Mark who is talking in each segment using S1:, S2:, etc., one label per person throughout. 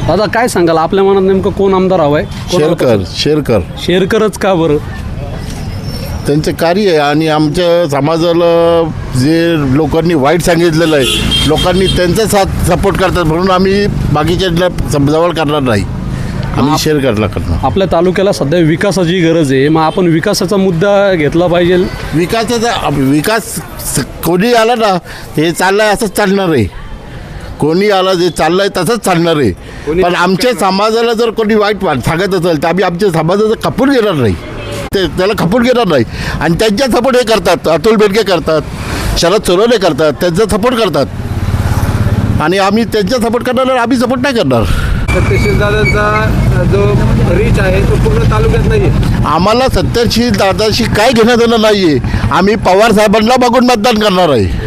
S1: दादा काय सांगाल, आपल्या मनात नेमकं कोण आमदार हवं आहे? शेरकरच का बरं?
S2: त्यांचे कार्य आहे आणि आमच्या समाजाला जे लोकांनी वाईट सांगितलेलं आहे, लोकांनी त्यांचा साथ सपोर्ट करतात म्हणून आम्ही बाकीच्या जवळ करणार नाही, आम्ही शेरकरला करणार.
S1: आपल्या तालुक्याला सध्या विकासाची गरज आहे, मग आपण विकासाचा मुद्दा घेतला पाहिजे.
S2: विकास कोणी आला ना, हे चाललंय असंच चालणार आहे. कोणी आला जे चाललंय तसंच चालणार आहे. पण आमच्या समाजाला जर कोणी वाईट सांगत असेल तर आम्ही आमच्या समाजाचं खपून घेणार नाही, त्याला खपून घेणार नाही. आणि त्यांच्या सपोर्ट हे करतात, अतुल बेनके करतात, शरद सोनवणे करतात, त्यांचा सपोर्ट करतात आणि आम्ही त्यांचा सपोर्ट करणार, आम्ही सपोर्ट नाही करणार.
S3: सत्यशील दादांचा जो रीच आहे तो पूर्ण तालुक्यात नाही आहे.
S2: आम्हाला सत्यशील दादाशी काय घेणं देणं नाही आहे. आम्ही पवार साहेबांना बघून मतदान करणार आहे.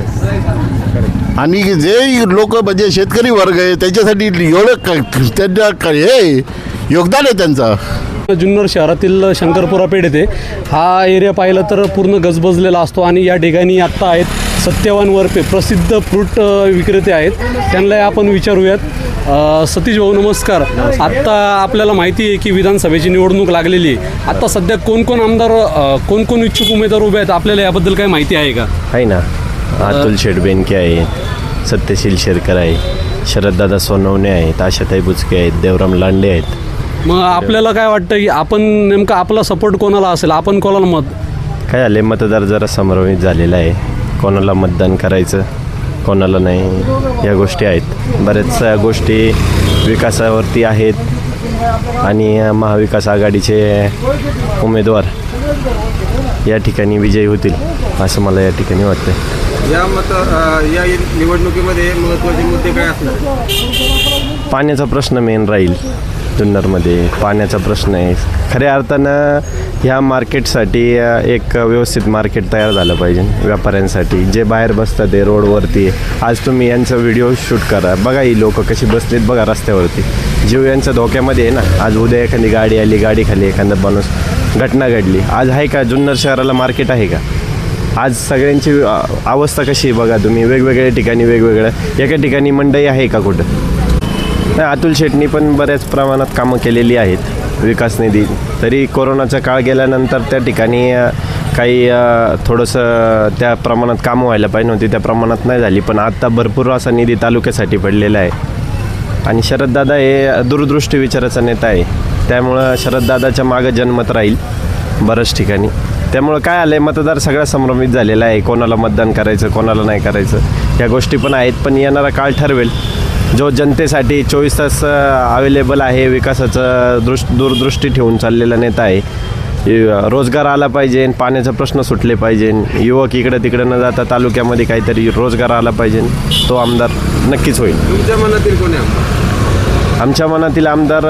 S2: आणि जे लोक म्हणजे शेतकरी वर्ग आहे त्याच्यासाठी एवढं त्यांना हे योगदान आहे त्यांचं.
S1: जुन्नर शहरातील शंकरपुरा पेठ येथे हा एरिया पाहिलं तर पूर्ण गजबजलेला असतो आणि या ठिकाणी आत्ता आहेत सत्यवान वरपे, प्रसिद्ध फ्रूट विक्रेते आहेत, त्यांना आपण विचारूयात. सतीश भाऊ नमस्कार. आत्ता आपल्याला माहिती आहे की विधानसभेची निवडणूक लागलेली आहे. आत्ता सध्या कोण आमदार, कोण इच्छुक उमेदवार उभे आहेत, आपल्याला याबद्दल काही माहिती आहे का?
S4: आहे ना, अतुल शेठ बेनके आहे, सत्यशील शेरकर आहे, शरददादा सोनवणे आहेत, आशाताई बुचके आहेत, देवराम लांडे आहेत.
S1: मग आपल्याला काय वाटतं की आपण नेमका आपला सपोर्ट कोणाला असेल, आपण कोणाला मत?
S4: काय झाले, मतदार जरा संभ्रमित झालेला आहे, कोणाला मतदान करायचं कोणाला नाही, या गोष्टी आहेत. बऱ्याचशा गोष्टी विकासावरती आहेत आणि महाविकास आघाडीचे उमेदवार या ठिकाणी विजयी होतील असं मला या ठिकाणी वाटतं.
S3: या निवडणुकीमध्ये महत्त्वाचे मुद्दे काय असणार?
S4: पाण्याचा प्रश्न मेन राहील. जुन्नरमध्ये पाण्याचा प्रश्न आहे. खऱ्या अर्थानं ह्या मार्केटसाठी एक व्यवस्थित मार्केट तयार झालं पाहिजे व्यापाऱ्यांसाठी. जे बाहेर बसतात ते रोडवरती, आज तुम्ही यांचा व्हिडिओ शूट करा, बघा ही लोकं कशी बसलीत बघा रस्त्यावरती. जीव यांच्या धोक्यामध्ये आहे ना. आज उद्या एखादी गाडी आली, गाडीखाली एखादा माणूस, घटना घडली. आज आहे का जुन्नर शहराला मार्केट आहे का? आज सगळ्यांची अवस्था कशी आहे बघा तुम्ही. वेगवेगळ्या ठिकाणी वेगवेगळ्या, एका ठिकाणी मंडई आहे का कुठं? नाही, अतुल शेठनी पण बऱ्याच प्रमाणात कामं केलेली आहेत विकास निधी. तरी कोरोनाचा काळ गेल्यानंतर त्या ठिकाणी काही थोडंसं त्या प्रमाणात कामं व्हायला पाहिजे नव्हती, त्या प्रमाणात नाही झाली. पण आत्ता भरपूर असा निधी तालुक्यासाठी पडलेला आहे. आणि शरददादा हे दूरदृष्टी विचाराचा नेता आहे, त्यामुळं शरददादाच्या मागं जनमत राहील बऱ्याच ठिकाणी. त्यामुळं काय आलं आहे, मतदार सगळा संभ्रमित झालेला आहे, कोणाला मतदान करायचं कोणाला नाही करायचं या गोष्टी पण आहेत. पण येणारा काळ ठरवेल. जो जनतेसाठी 24 तास अवेलेबल आहे, विकासाचं दूरदृष्टी ठेवून चाललेला नेता आहे. रोजगार आला पाहिजे, पाण्याचा प्रश्न सुटले पाहिजे, युवक इकडं तिकडं न जाता तालुक्यामध्ये काहीतरी रोजगार आला पाहिजे, तो आमदार नक्कीच होईल.
S3: तुमच्या मनातील कोणी आमदार?
S4: आमच्या मनातील आमदार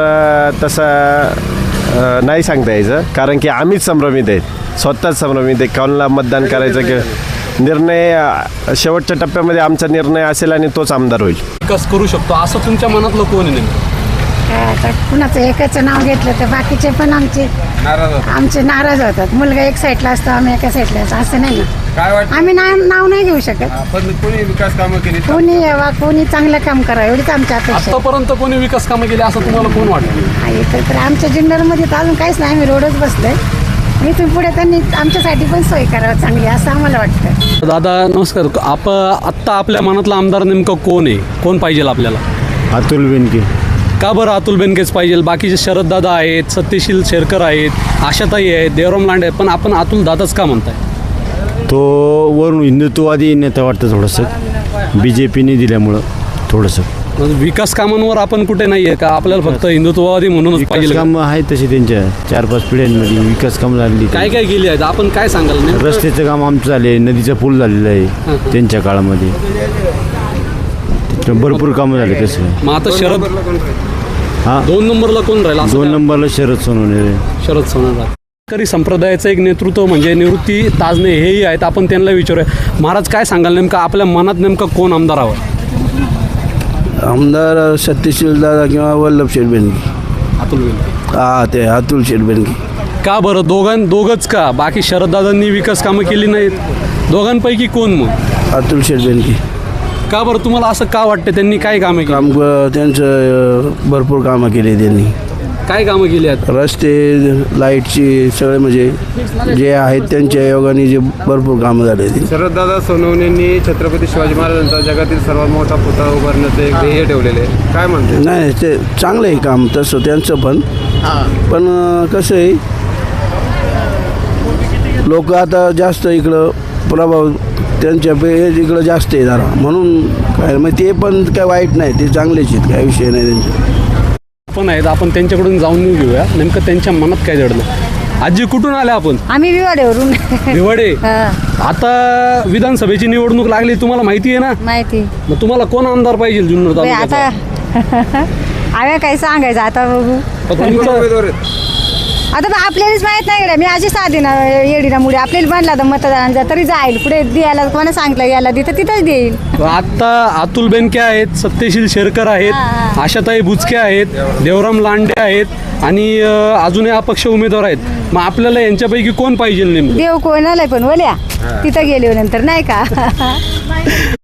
S4: तसं नाही सांगता यायचं, कारण की आम्हीच संभ्रमित आहेत, स्वतःच संभ्रमित आहे कोणाला मतदान करायचं. की निर्णय शेवटच्या टप्प्यामध्ये आमचा निर्णय असेल आणि तोच आमदार होईल.
S1: विकास करू शकतो असं तुमच्या मनातलं कोण आहे नेमकं?
S5: कुणाचं एकाचं नाव घेतलं तर बाकीचे पण आमचे नाराज होतात. मुलगा एक साईडला असतो, आम्ही एका साईडला असतो, असं नाही ना.
S3: काय वाटतं?
S5: आम्ही नाव नाही घेऊ शकत.
S3: पण कोणी विकास कामं केली?
S5: कोणी यावा, कोणी चांगलं काम करावं एवढीच आमची अपेक्षा आहे.
S1: आतापर्यंत कोणी विकास कामं केली असं तुम्हाला कोण वाटतं?
S5: तर आमच्या जुन्नरमध्ये तर अजून काहीच नाही, आम्ही रोडच बसलोय. इथून पुढे त्यांनी आमच्यासाठी पण सोय करावं चांगली असं आम्हाला वाटतं.
S1: दादा नमस्कार. आत्ता आपल्या मनातला आमदार नेमकं कोण आहे, कोण पाहिजे आपल्याला?
S6: अतुल बेनके.
S1: का बरं अतुल बेनकेच पाहिजे? बाकीचे शरददादा आहेत, सत्यशील शेरकर आहेत, आशाताई आहेत, देवराम लांडे आहेत, पण आपण अतुल दादाच का म्हणताय?
S6: तो वरून हिंदुत्ववादी नेता वाटतं थोडंसं, BJPने दिल्यामुळं थोडंसं.
S1: विकास कामांवर आपण कुठे नाही आहे का? आपल्याला फक्त हिंदुत्ववादी म्हणूनच
S6: विकास
S1: पाहिजे?
S6: कामं आहेत तशी त्यांच्या 4-5 पिढ्यांमध्ये विकास कामं झालेली.
S1: काय काय केली आहेत आपण काय सांगाल?
S6: रस्त्याचं काम आमचं झाले, नदीचा पूल झालेला आहे त्यांच्या काळामध्ये, भरपूर कामं झाले तसं.
S1: मग आता शरद
S6: हां,
S1: 2 नंबरला कोण राहील?
S6: 2 नंबरला शरद सोनवणे.
S1: शरद सोनवणे. शेतकरी संप्रदायाचं एक नेतृत्व म्हणजे निवृत्ती ताजने हेही आहेत, आपण त्यांना विचारूया. महाराज काय सांगाल, नेमकं आपल्या मनात नेमकं कोण आमदार हवं?
S7: आमदार सत्यशील दादा किंवा वल्लभ शेठ बेनके.
S1: अतुल बेनके.
S7: ते अतुल शेठ बेनके.
S1: का बरं दोघंच का? बाकी शरददादांनी विकास कामं केली नाहीत, दोघांपैकी कोण मग?
S7: अतुल शेठ बेनके.
S1: का बरं तुम्हाला असं का वाटतं, त्यांनी काय कामं केली?
S7: काम त्यांचं भरपूर कामं केली त्यांनी.
S1: काय कामं केली आहेत?
S7: रस्ते, लाईटची सगळे म्हणजे जे आहेत त्यांच्या योगाने जे भरपूर कामं झाले ते.
S3: शरददादा सोनवणेंनी छत्रपती शिवाजी महाराजांचा जगातील सर्वात मोठा पुतळा उभारण्याचं एक ध्येय ठेवलेले आहे. काय म्हणते?
S7: नाही ते चांगलं आहे काम तसं त्यांचं पण कसं आहे, लोक आता जास्त इकडं प्रभाव त्यांच्या इकडं जास्त आहे जरा, म्हणून काय मग ते पण काय वाईट नाही, ते चांगलेच आहेत, काय विषय नाही त्यांचा.
S1: पण आहेत, आपण त्यांच्याकडून जाऊन घेऊया नेमकं त्यांच्या मनात काय दडलं. आजी कुठून आल्या आपण?
S5: आम्ही विवाडेवरून.
S1: भिवडे. आता विधानसभेची निवडणूक लागली, तुम्हाला माहिती आहे ना?
S5: माहिती.
S1: मग तुम्हाला कोण आमदार पाहिजे जुन्नर
S5: बाई, आता
S1: तालुक्याचा?
S5: आम्ही काय सांगायचं आता बघू.
S1: तुमचं-
S3: उमेदवार आहेत.
S5: आता बा आपल्यालाच माहित नाही गड्या, मी अशी साधी ना येडीना मुळे आपल्याला म्हणला तर मतदानाचा तरी जाईल पुढे द्यायला, कोणा सांगितलं याला तिथं तिथंच देईल.
S1: आता अतुल बेनके आहेत, सत्यशील शेरकर आहेत, आशाताई बुचके आहेत, देवराम लांडे आहेत आणि अजूनही अपक्ष उमेदवार आहेत. मग आपल्याला यांच्यापैकी कोण पाहिजे नेमकं?
S5: देव कोणाला पण बोल्या तिथं गेले नंतर नाही का.